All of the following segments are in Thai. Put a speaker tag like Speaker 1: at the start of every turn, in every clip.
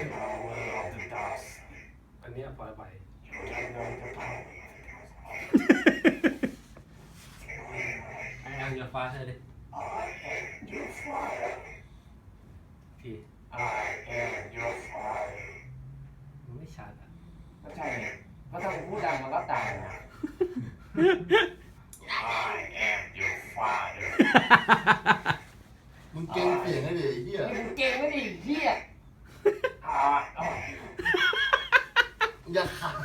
Speaker 1: อันนี้ปล่อยไปไอ้ยังอย่าฟ้าใช่ดิทีมันไม่ชัดอ่ะ
Speaker 2: ก็ใช่ไงเพราะถ้าผมพูดดังมันก็ตายนะ
Speaker 3: มึงเก่งเปลี่ยนให้ดิไอ้เหี้ย
Speaker 2: นี่มึงเก่งไม่ดีเหี้ย
Speaker 3: อย่าขัด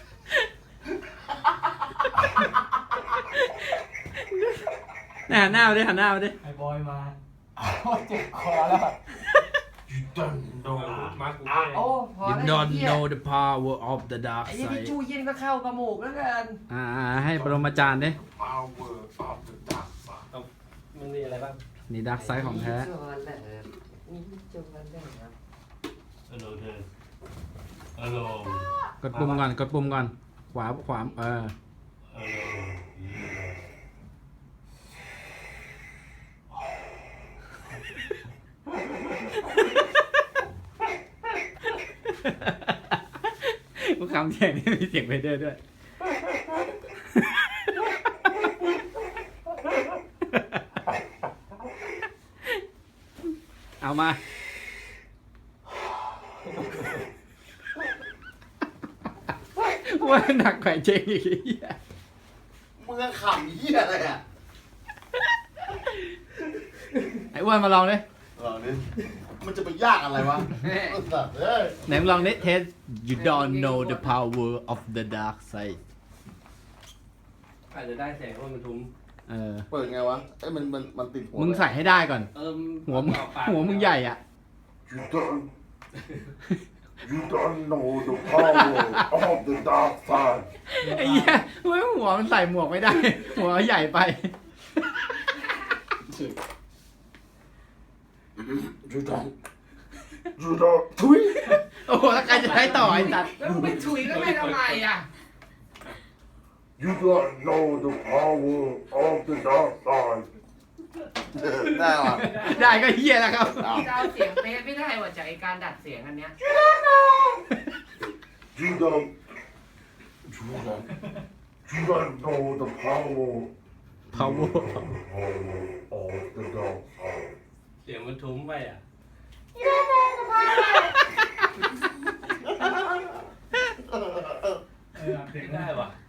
Speaker 4: หันหน้ามาดิหันหน้ามาดิ
Speaker 1: ไอ้บอยมา
Speaker 2: โอ้เจ็บคอแล้ว
Speaker 3: ยูดันโด
Speaker 1: มากู
Speaker 2: โอ้พอ
Speaker 4: You
Speaker 2: แล้ว
Speaker 4: don't
Speaker 2: เหี้ย
Speaker 4: know the power of the dark
Speaker 2: ไอ้ยี่ที่
Speaker 4: side
Speaker 2: จูเย็นก็เข้ากระหมูกแล้วกัน
Speaker 4: ให้ปรมาจารย์ดิ
Speaker 3: power of the dark side
Speaker 1: มันมีอะไรบ้าง
Speaker 4: นี่ดักไซด์ของแท้
Speaker 2: นี่จวนแหละนี่จวนแหละครับ
Speaker 1: ฮัลโหลเธอฮัลโหล
Speaker 4: กดปุ่มก่อนกดปุ่มก่อนขวา
Speaker 1: ฮั
Speaker 4: ขวา
Speaker 1: ลโหล
Speaker 4: กูคำเสียงนี่มีเสียงไปเรื่อยด้วยเอามาว่าหนักกว่าเจงอีกไอ้เหี้ย
Speaker 3: มึงก็ขำเหี้ยอะไรอ่ะ
Speaker 4: ไอ้อ้วนมาลองดิ
Speaker 3: เหล่านี้มันจะไปยากอะไรวะสัตว์เอ้ย
Speaker 4: ไหนมึงลองดิเทส You don't know the power of the dark side
Speaker 1: อาจจะได้แสงว่ามันทุ้ม
Speaker 3: เปิดไงวะเอ้ยมันติดหัว
Speaker 4: มึงใส่ให้ได้ก่อน หัวมึงใหญ่อ่ะ
Speaker 3: You don't know the power of the dark side
Speaker 4: ไอ้เหี้ยไม่หัวมันใส่หมวกไม่ได้ หัวใหญ่ไป
Speaker 3: You don't ทุย
Speaker 4: โอ้โหแล้วใครจะใช้ต่อไอ้สัตว์
Speaker 2: แล้วมึงไปถุยก็ไม่ทำไมอ่ะ
Speaker 3: You don't know the power of the dark side ได้หรอ
Speaker 4: ได้ก็เฮียแล้วครับ
Speaker 2: จะเอาเสียงเป๊ะไม่ได้ว่ะจากไอการดัดเสียงอันเนี้ย
Speaker 3: You don't know the power
Speaker 4: power
Speaker 3: of the dark side
Speaker 1: เสียงมันทุ้มไปอ่ะ
Speaker 2: เสียง
Speaker 1: ได้
Speaker 2: ได้
Speaker 1: ว่ะ
Speaker 2: ว่ะ